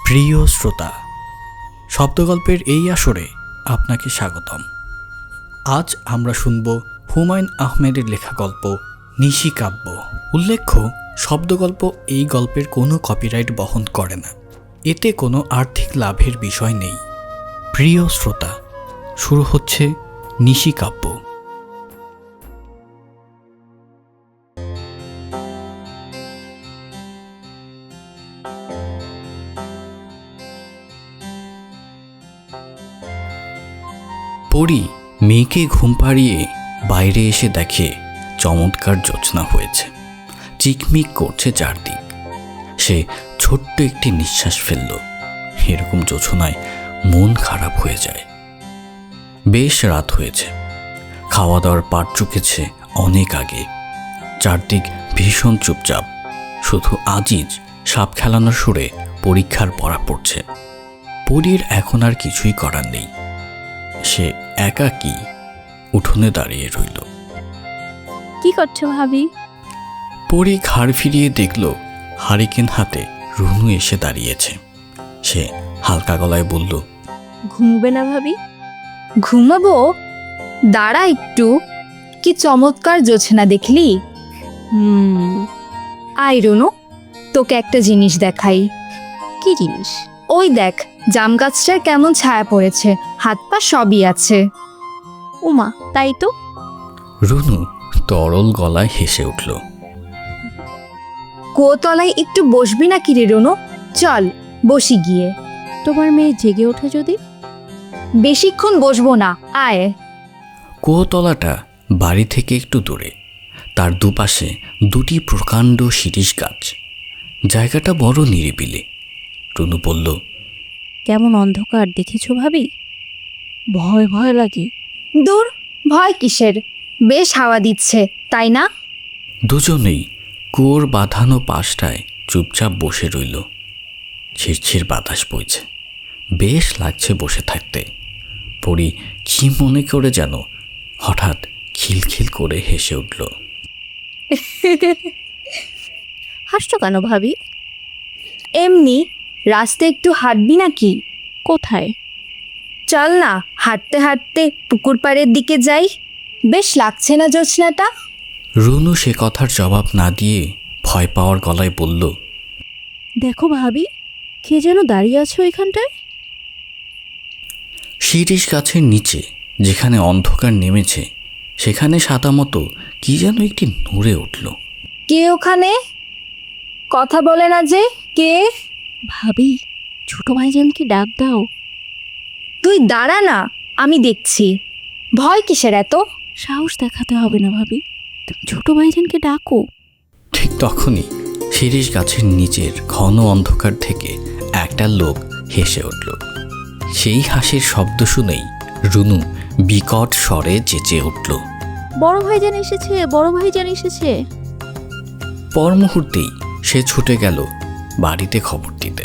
প্রিয় শ্রোতা, শব্দগল্পের এই আসরে আপনাকে স্বাগতম। আজ আমরা শুনব হুমায়ুন আহমেদের লেখা গল্প নিশিকাব্য। উল্লেখ্য, শব্দগল্প এই গল্পের কোনো কপিরাইট বহন করে না, এতে কোনো আর্থিক লাভের বিষয় নেই। প্রিয় শ্রোতা, শুরু হচ্ছে নিশিকাব্য। পরি মেয়েকে ঘুম পাড়িয়ে বাইরে এসে দেখে চমৎকার জ্যোৎস্না হয়েছে, চিকমিক করছে চারদিক। সে ছোট্ট একটি নিঃশ্বাস ফেলল। এরকম জ্যোৎস্নায় মন খারাপ হয়ে যায়। বেশ রাত হয়েছে, খাওয়া দাওয়ার পাট চুকেছে অনেক আগে। চারদিক ভীষণ চুপচাপ, শুধু আজিজ সাপ খেলানোর সুরে পরীক্ষার পড়া পড়ছে। পরীর এখন আর কিছুই করার নেই। সে একাকী উঠোনে দাঁড়িয়ে রইল। কি করছো ভাবি? পরি ঘাড় ফিরিয়ে দেখল হারিকেন হাতে রুনু এসে দাঁড়িয়েছে। সে হালকা গলায় বলল, ঘুমবে না ভাবি? ঘুমাবো? দাঁড়া একটু। কি চমৎকার জোছনা দেখলি? আয় রুনু, তোকে একটা জিনিস দেখাই। কি জিনিস? ওই দেখ, জাম গাছটার কেমন ছায়া পড়েছে, হাত পা সবই আছে। উমা, তাই তো। রুনু তরল গলায় হেসে উঠল। কুয়োতলায় একটু বসবি না কি রে রুনু? চল বসি গিয়ে। তোমার মেয়ে জেগে ওঠে যদি? বেশিক্ষণ বসবো না, আয়। কুয়োতলাটা বাড়ি থেকে একটু দূরে। তার দুপাশে দুটি প্রকাণ্ড শিরীষ গাছ। জায়গাটা বড় নিরিবিলি। রুনু বলল, কেমন অন্ধকার দেখেছো ভাবি? ভয় ভয় লাগে। দূর, ভয় কিসের? বেশ হাওয়া দিচ্ছে, তাই না? দুজনেই কুয়োর বাঁধানো পাশটায় চুপচাপ বসে রইল। ছিরছির বাতাস বইছে, বেশ লাগছে বসে থাকতে। পরি কি মনে করে যেন হঠাৎ খিলখিল করে হেসে উঠল। হাসছো কেন ভাবি? এমনি। রাস্তা একটু হাঁটবি নাকি? কোথায়? চল না, হাঁটতে হাঁটতে পুকুর পাড়ের দিকে যাই। বেশ লাগছে না জোছনাটা? রুনু সে কথার জবাব না দিয়ে ভয় পাওয়ার গলায় বলল, দেখো ভাবি, কে যেন দাঁড়িয়ে আছে ওইখানটায়। শিরীষ গাছের নিচে যেখানে অন্ধকার নেমেছে সেখানে সাদা মতো কি যেন একটি নড়ে উঠল। কে ওখানে? কথা বলে না যে, কে? ভাবি, ছোট ভাইজানকে ডাক দাও। তুই দাঁড়া না, আমি দেখছি। ভয় কিসের এত? সাহস দেখাতে হবে না ভাবি, তুমি ছোট ভাইজানকে ডাকো। ঠিক তখনই শিরীষ গাছের নিচের ঘন অন্ধকার থেকে একটা লোক হেসে উঠল। সেই হাসির শব্দ শুনেই রুনু বিকট স্বরে চেঁচিয়ে উঠল, বড় ভাইজান এসেছে, বড় ভাইজান এসেছে। পর মুহূর্তেই সে ছুটে গেল বাড়িতে খবর দিতে।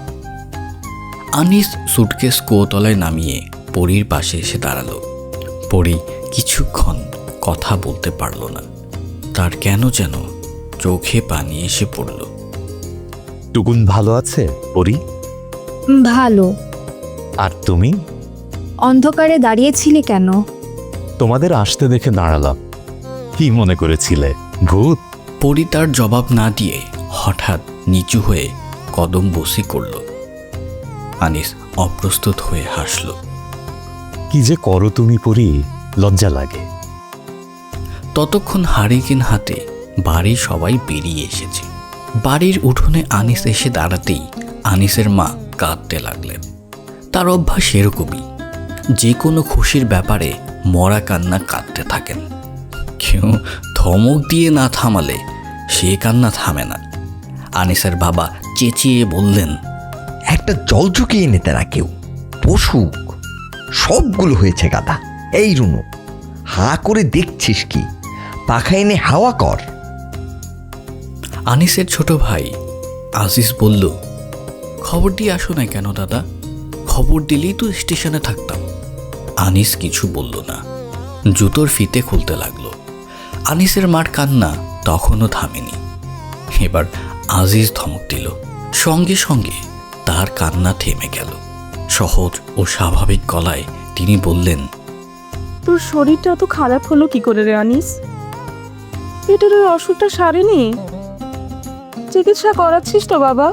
আনিস সুটকেস কুয়োতলায় নামিয়ে পরীর পাশে এসে দাঁড়ালো। পরী কিছুক্ষণ কথা বলতে পারল না। তার কেন যেন চোখে পানি এসে পড়ল। টুকুন ভালো আছে পরি? ভালো। আর তুমি? অন্ধকারে দাঁড়িয়েছিলে কেন? তোমাদের আসতে দেখে দাঁড়ালাম। কি মনে করেছিলে, ভূত? পরী তার জবাব না দিয়ে হঠাৎ নিচু হয়ে কদম বসি করল। আনিস অপ্রস্তুত হয়ে হাসল। কি যে করো তুমি পরি, লজ্জা লাগে। ততক্ষণ হারিকেন হাতে বাড়ির সবাই বেরিয়ে এসেছে। বাড়ির উঠোনে আনিস এসে দাঁড়াতেই আনিসের মা কাঁদতে লাগলেন। তার অভ্যাস এরকমই, যে কোনো খুশির ব্যাপারে মরা কান্না কাঁদতে থাকেন। কেউ ধমক দিয়ে না থামালে সে কান্না থামে না। আনিসের বাবা চেঁচিয়ে বললেন, একটা জল চুকিয়ে নিতে না কেউ, পশুক সবগুলো হয়েছে গাদা। এই রুনু, হাঁ করে দেখছিস কি? পাখা এনে হাওয়া কর। আনিসের ছোট ভাই আজিজ বলল, খবর দিয়ে আসো না কেন দাদা? খবর দিলেই তো স্টেশনে থাকতাম। আনিস কিছু বলল না, জুতোর ফিতে খুলতে লাগলো। আনিসের মার কান্না তখনও থামেনি। এবার আজিজ ধমক দিল। সঙ্গে সঙ্গে তার তার কান্না থেমে গেল। সহজ ও স্বাভাবিক গলায় তিনি বললেন, তোর শরীরটা এত খারাপ হলো কি করে রে আনিস? পেটের ওই অসুখটা সারেনি? চিকিৎসা করাচ্ছিস তো বাবা?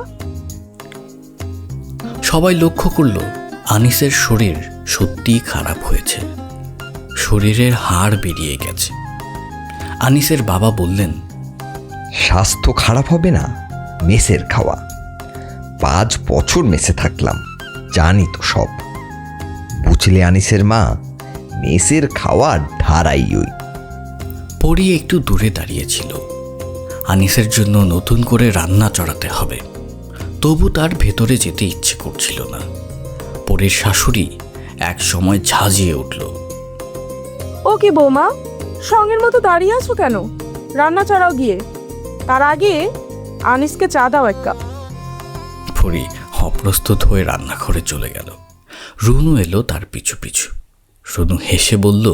সবাই লক্ষ্য করল আনিসের শরীর সত্যিই খারাপ হয়েছে। শরীরের হাড় বেরিয়ে গেছে। আনিসের বাবা বললেন, স্বাস্থ্য খারাপ হবে না? মেসের খাওয়া। 5 বছর মেসে থাকলাম, জানি তো সব। বুঝলে আনিসের মা, মেসের খাওয়া ধারাই ওই। পরি একটু দূরে দাঁড়িয়েছিল। আনিসের জন্য নতুন করে রান্না চড়াতে হবে, তবু তার ভেতরে যেতে ইচ্ছে করছিল না। পরির শাশুড়ি এক সময় ঝাঁঝিয়ে উঠল, ও কি বৌমা, সঙ্গের মতো দাঁড়িয়ে আছো কেন? রান্না চাড়াও গিয়ে। তার আগে আনিসকে চা দাও এক কাপ। পরি অপ্রস্তুত হয়ে রান্নাঘরে চলে গেল। রুনু এলো তার পিছু পিছু। রুনু হেসে বলল,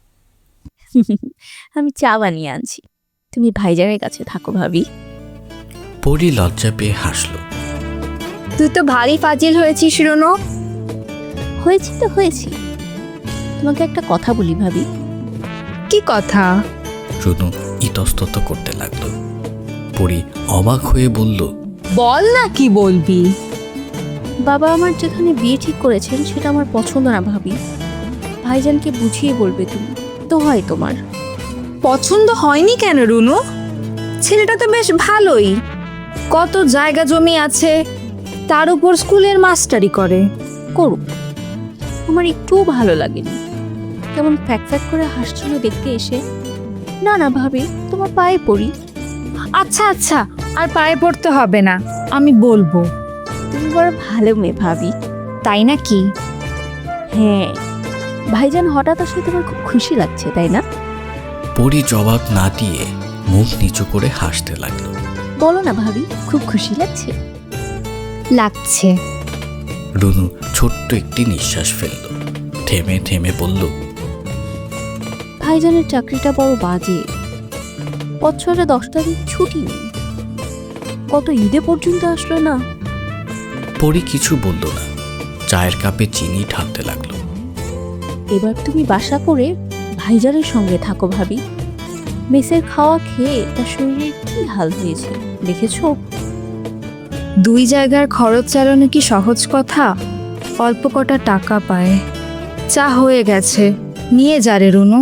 আমি চা বানিয়ে আনছি, তুমি ভাইজানের কাছে থাকো ভাবি। পরি লজ্জা পেয়ে হাসল। তুই তো ভারী ফাজিল হয়েছিস রুনু। হয়েছি তো হয়েছি। তোমাকে একটা কথা বলি ভাবি। কি কথা? রুনু ইতস্তত করতে লাগলো। পরি অবাক হয়ে বলল, বল না, কি বলবি? বাবা আমার যেখানে বিয়ে ঠিক করেছেন সেটা আমার পছন্দ না ভাবি। ভাইজানকে বুঝিয়ে বলবে তুমি, তো হয় তোমার। পছন্দ হয়নি কেন রুনু? ছেলেটা তো বেশ ভালোই, কত জায়গা জমি আছে, তার উপর স্কুলের মাস্টারি করে। করুক, আমার একটুও ভালো লাগেনি। কেমন ফ্যাক ফ্যাক করে হাসছিল দেখতে এসে। না না ভাবি, তোমার পায়ে পড়ি। আচ্ছা আচ্ছা, আর পায়ে পড়তে হবে না, আমি বলবো। তুমি বড় ভালো মেয়ে ভাবি। তাই নাকি? হ্যাঁ, ভাইজান হঠাৎ আসলে তোমার খুব খুশি লাগছে তাই না? পরি জবাব না দিয়ে মুখ নিচু করে হাসতে লাগলো। বলো না ভাবি, খুব খুশি লাগছে। লাগছে। রুনু ছোট্ট একটি নিঃশ্বাস ফেলল। থেমে থেমে বলল, ভাইজানের চাকরিটা বড় বাজে। বছরে 10টা দিন ছুটি নেই, কত ঈদে পর্যন্ত আসলো না। পরি কিছু বলল না, চায়ের কাপে চিনি ঢালতে লাগলো। এবার তুমি বাসা করে ভাইজানের সঙ্গে থাকো ভাবি। মেসের খাওয়া খেয়ে তার শরীরের কি হাল হয়েছে দেখেছো? 2 জায়গার খরচ চালানো কি সহজ কথা? অল্প কটা টাকা পায়। চা হয়ে গেছে, নিয়ে যা রে রুনু।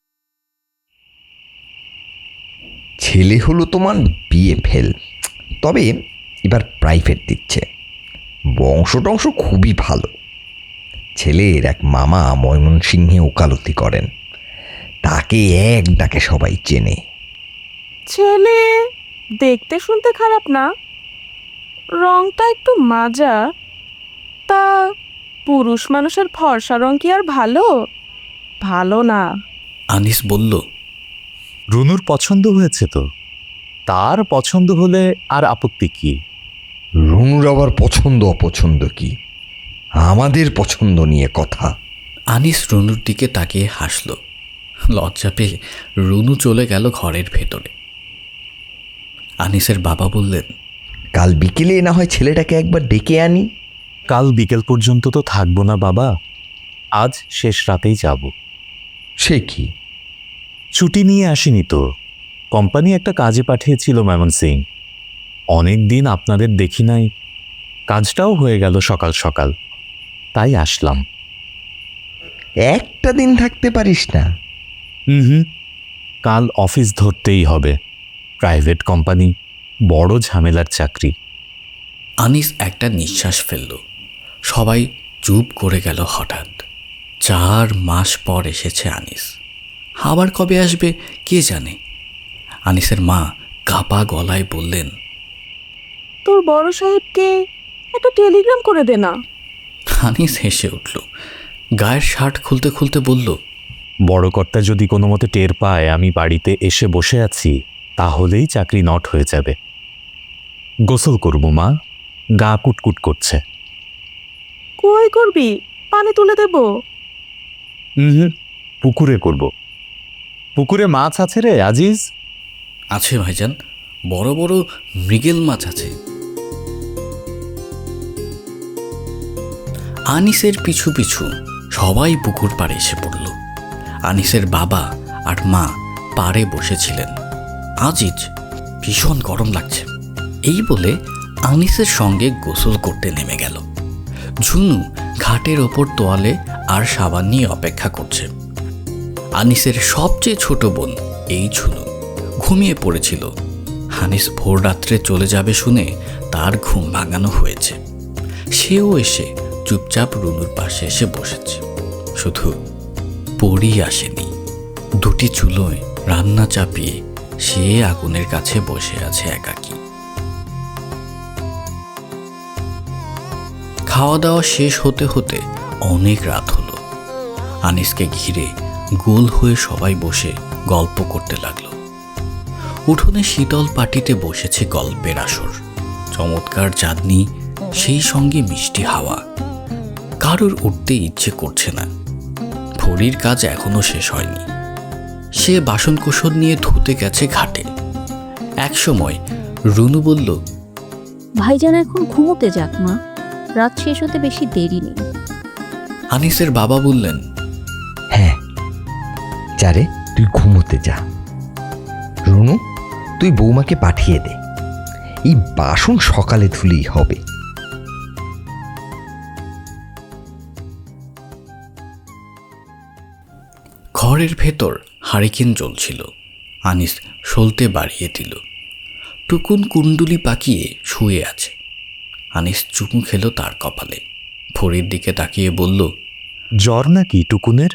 ছেলে হলো তোমার বিয়ে ফেল, তবে এবার প্রাইভেট দিচ্ছে। বংশ টংশ খুবই ভালো। ছেলের এক মামা ময়মনসিংহে ওকালতি করেন, তাকে এক ডাকে সবাই চেনে। ছেলে দেখতে শুনতে খারাপ না, রংটা একটু মাজা। তা পুরুষ মানুষের ফর্সা রং কি আর ভালো? ভালো না। আনিস বলল, রুনুর পছন্দ হয়েছে তো, তার পছন্দ হলে আর আপত্তি কি? রুনুর আবার পছন্দ অপছন্দ কি? আমাদের পছন্দ নিয়ে কথা। আনিস রুনুর দিকে তাকিয়ে হাসল। লজ্জা পেয়ে রুনু চলে গেল ঘরের ভেতরে। আনিসের বাবা বললেন, কাল বিকেলে না হয় ছেলেটাকে একবার ডেকে আনি। কাল বিকেল পর্যন্ত তো থাকবো না বাবা, আজ শেষ রাতেই যাব। সে কি? ছুটি নিয়ে আসিনি তো, কোম্পানি একটা কাজে পাঠিয়েছিল ময়মনসিং। অনেক দিন আপনাদের দেখি নাই, কাজটাও হয়ে গেল সকাল সকাল, তাই আসলাম। একটা দিন থাকতে পারিস না? হুম, কাল অফিস ধরতেই হবে। প্রাইভেট কোম্পানি, বড় ঝামেলার চাকরি। আনিস একটা নিঃশ্বাস ফেলল। সবাই চুপ করে গেল হঠাৎ। 4 মাস পর এসেছে আনিস। আবার কবে আসবে কে জানে। আনিসের মা কাপা গলায় বললেন, তোর বড় সাহেবকে একটা টেলিগ্রাম করে দে না। আনিস হেসে উঠল। গায়ের শার্ট খুলতে খুলতে বলল, বড় কর্তা যদি কোনো মতে টের পায় আমি বাড়িতে এসে বসে আছি, তাহলেই চাকরি নট হয়ে যাবে। গোসল করব মা, গা কুটকুট করছে। কই করবি? পানি তুলে দেব। পুকুরে করব। পুকুরে মাছ আছে রে আজিজ? আছে ভাইজান, বড় বড় মৃগেল মাছ আছে। আনিসের পিছু পিছু সবাই পুকুর পাড়ে এসে পড়ল। আনিসের বাবা আর মা পাড়ে বসেছিলেন। আজিজ, ভীষণ গরম লাগছে, এই বলে আনিসের সঙ্গে গোসল করতে নেমে গেল। ঝুনু ঘাটের ওপর তোয়ালে আর সাবান নিয়ে অপেক্ষা করছে। আনিসের সবচেয়ে ছোট বোন এই ঝুনু ঘুমিয়ে পড়েছিল। আনিস ভোর রাত্রে চলে যাবে শুনে তার ঘুম ভাঙানো হয়েছে। সেও এসে চুপচাপ রুনুর পাশে এসে বসেছে। শুধু পরি আসেনি। দুটি চুলোয় রান্না চাপিয়ে সে আগুনের কাছে বসে আছে একাকী। খাওয়া দাওয়া শেষ হতে হতে অনেক রাত হলো। আনিসকে ঘিরে গোল হয়ে সবাই বসে গল্প করতে লাগলো। উঠোনে শীতল পাটিতে বসেছে গল্পের আসর। চমৎকার চাঁদনি, সেই সঙ্গে মিষ্টি হাওয়া। কারোর উঠতে ইচ্ছে করছে না। ভরির কাজ এখনো শেষ হয়নি। সে বাসনকোসন নিয়ে ধুতে গেছে ঘাটে। একসময় রুনু বলল, ভাইজান এখন ঘুমোতে যাক মা, রাত শেষ হতে বেশি দেরি নেই। আনিসের বাবা বললেন, হ্যাঁ যারে, তুই ঘুমোতে যা। রুনু, তুই বৌমাকে পাঠিয়ে দে, এই বাসন সকালে ধুলেই হবে। ঘরের ভেতর হারিকেন জ্বলছিল। আনিস সলতে বাড়িয়ে দিল। টুকুন কুণ্ডুলি পাকিয়ে শুয়ে আছে। আনিস চুমু খেলো তার কপালে। ভরির দিকে তাকিয়ে বলল, জ্বর নাকি টুকুনের?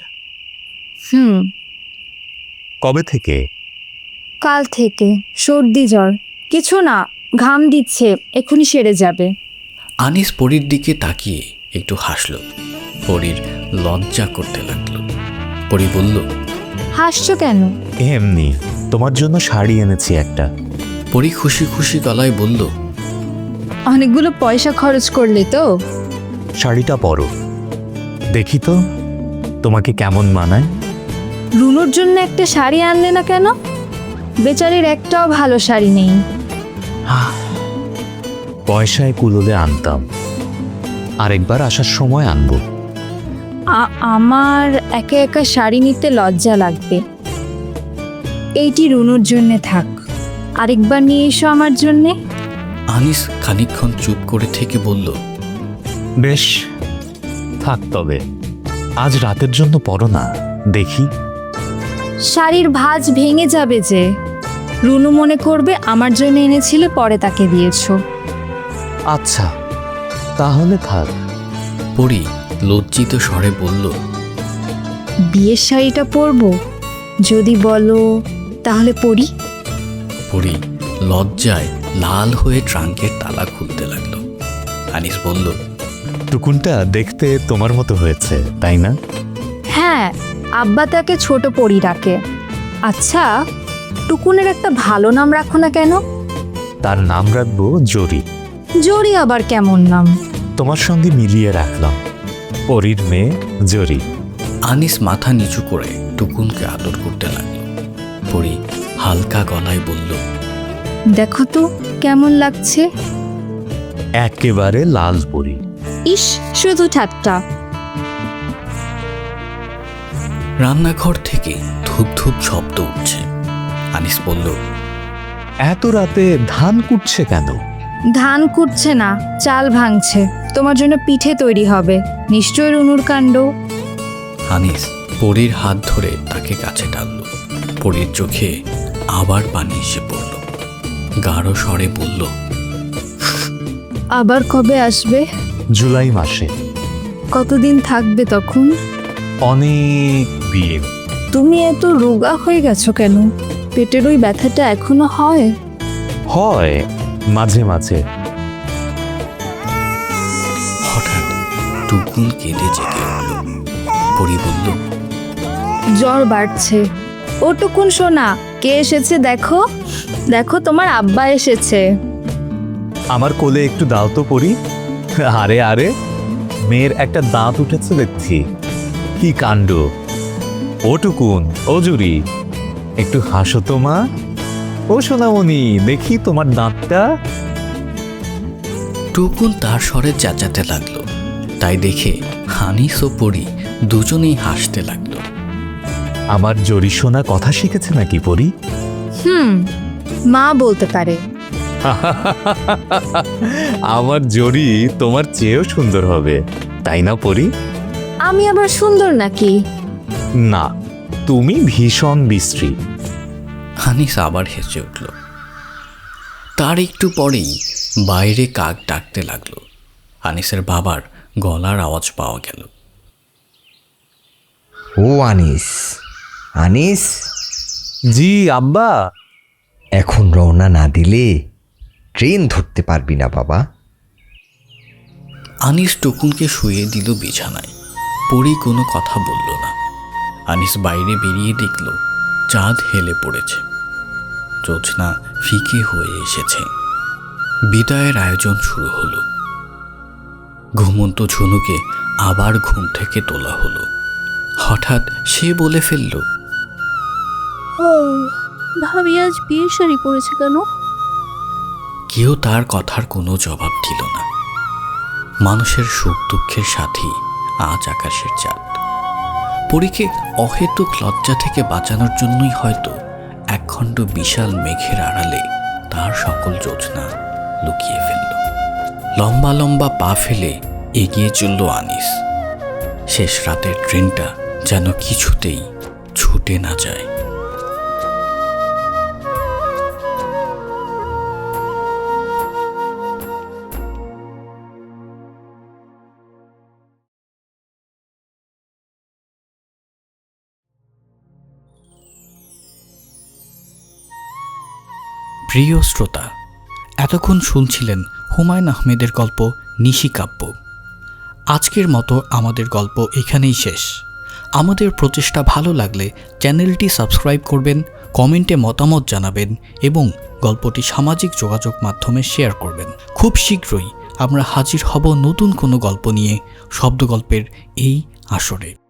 কবে থেকে? কাল থেকে সর্দি জ্বর, কিছু না, ঘাম দিচ্ছে, এক্ষুনি সেরে যাবে। আনিস পরীর দিকে তাকিয়ে একটু হাসল। পরীর লজ্জা করতে লাগলো। পরী বলল, হাসছো কেন? এমনি, তোমার জন্য শাড়ি এনেছি একটা। পরী খুশি খুশি গলায় বলল, অনেকগুলো পয়সা খরচ করলে তো। শাড়িটা পরো, দেখি তো তোমাকে কেমন মানায়। রুনুর জন্য একটা শাড়ি আনলে না কেন? বেচারির একটাও ভালো শাড়ি নেই। পয়সায় কুলোলে আনতাম, আরেকবার আসার সময় আনবো। আমার একা একা শাড়ি নিতে লজ্জা লাগবে। এইটি রুনুর জন্যে থাক, আরেকবার নিয়ে এসো আমার জন্যে। আনিস খানিকক্ষণ চুপ করে থেকে বলল, বেশ, থাক তবে। আজ রাতের জন্য পরো না, দেখি। শাড়ির ভাঁজ ভেঙে যাবে যে। রুনু মনে করবে আমার জন্য এনেছিলে, পরে তাকে দিয়েছো। আচ্ছা, তাহলে থাক। পরী লজ্জিত স্বরে বলল, বিয়ের শাড়িটা পরবো? যদি বলো তাহলে পরি। পরী লজ্জায় লাল হয়ে ট্রাঙ্কের তালা খুলতে লাগলো। আনিস বলল, টুকুনটা দেখতে তোমার মতো হয়েছে, তাই না? হ্যাঁ, আব্বা তাকে ছোট পরি ডাকে। আচ্ছা, টুকুনের একটা ভালো নাম রাখো না কেন? তার নাম রাখবো জরি। জরি আবার কেমন নাম? তোমার সঙ্গে মিলিয়ে রাখলাম, পরীর মেয়ে জরি। আনিস মাথা নিচু করে টুকুনকে আদর করতে লাগলো। পরী হালকা গলায় বলল, দেখো তো কেমন লাগছে। একেবারে লাল পরী। ইস, শুধু ঠাট্টা। রান্নাঘর থেকে ধূপ ধূপ শব্দ উঠছে। আনিস বলল, এত রাতে ধান কুটছে কেন? ধান কুটছে না, চাল ভাঙছে। তোমার জন্য পিঠে তৈরি হবে, নিশ্চয় রুনুর কাণ্ড। আনিস পরীর হাত ধরে তাকে কাছে টানল। পরীর চোখে আবার পানি এসে পড়ল। গাঢ় স্বরে বলল, আবার কবে আসবে? জুলাই মাসে। কতদিন থাকবে তখন? অনেক দিন। তুমি এত রোগা হয়ে গেছো কেন? পেটের ওই ব্যথাটা এখনো হয়? হয় মাঝে মাঝে। হঠাৎ টুকুন কেঁদে জেগে উঠল। পরী বলল, জ্বর বাড়ছে। ও টুকুন সোনা, কে এসেছে দেখো, দেখো তোমার আব্বা এসেছে। আমার কোলে একটু দাও তো পরি। আরে আরে, মেয়ের একটা দাঁত উঠেছে দেখছি, কি কাণ্ড। ও টুকুন, ও জুরি, একটু হাসো তো মা। ও সোনামণি, দেখি তোমার দাঁতটা। টুকুন তার স্বরে চেঁচাতে লাগলো। তাই দেখে আনিস ও পরি দুজনেই হাসতে লাগলো। আমার জরি সোনা কথা শিখেছে নাকি পরি? মা বলতে পারে। আমার জরি তোমার চেয়েও সুন্দর হবে, তাই না পরি? আমি আবার সুন্দর নাকি? না, তুমি ভীষণ বিশ্রী। আনিস আবার হেসে উঠল। তার একটু পরেই বাইরে কাক ডাকতে লাগলো। আনিসের বাবার গলার আওয়াজ পাওয়া গেল। ও আনিস, আনিস, জি আব্বা। এখন রওনা না দিলে ট্রেন ধরতে পারবি না বাবা। আনিস টুকুনকে শুয়ে দিল বিছানায়। পরি কোনো কথা বলল না। আনিস বাইরে বেরিয়ে দেখল চাঁদ হেলে পড়েছে, জ্যোৎস্না ফিকে হয়ে এসেছে। বিদায়ের আয়োজন শুরু হলো। ঘুমন্ত ঝুনুকে আবার ঘুম থেকে তোলা হলো। হঠাৎ সে বলে ফেলল, ভাবি আজ বিয়ের শাড়ি পরেছে কেন? কেউ তার কথার কোনো জবাব দিল না। মানুষের সুখ দুঃখের সাথী আজ আকাশের চাঁদ। পরীকে অহেতুক লজ্জা থেকে বাঁচানোর জন্যই হয়তো একখণ্ড বিশাল মেঘের আড়ালে তার সকল জ্যোৎস্না লুকিয়ে ফেলল। লম্বা লম্বা পা ফেলে এগিয়ে চলল আনিস। শেষ রাতের ট্রেনটা যেন কিছুতেই ছুটে না যায়। প্রিয় শ্রোতা, এতক্ষণ শুনছিলেন হুমায়ুন আহমেদের গল্প নিশিকাব্য। আজকের মতো আমাদের গল্প এখানেই শেষ। আমাদের প্রচেষ্টা ভালো লাগলে চ্যানেলটি সাবস্ক্রাইব করবেন, কমেন্টে মতামত জানাবেন এবং গল্পটি সামাজিক যোগাযোগ মাধ্যমে শেয়ার করবেন। খুব শীঘ্রই আমরা হাজির হব নতুন কোনো গল্প নিয়ে শব্দগল্পের এই আসরে।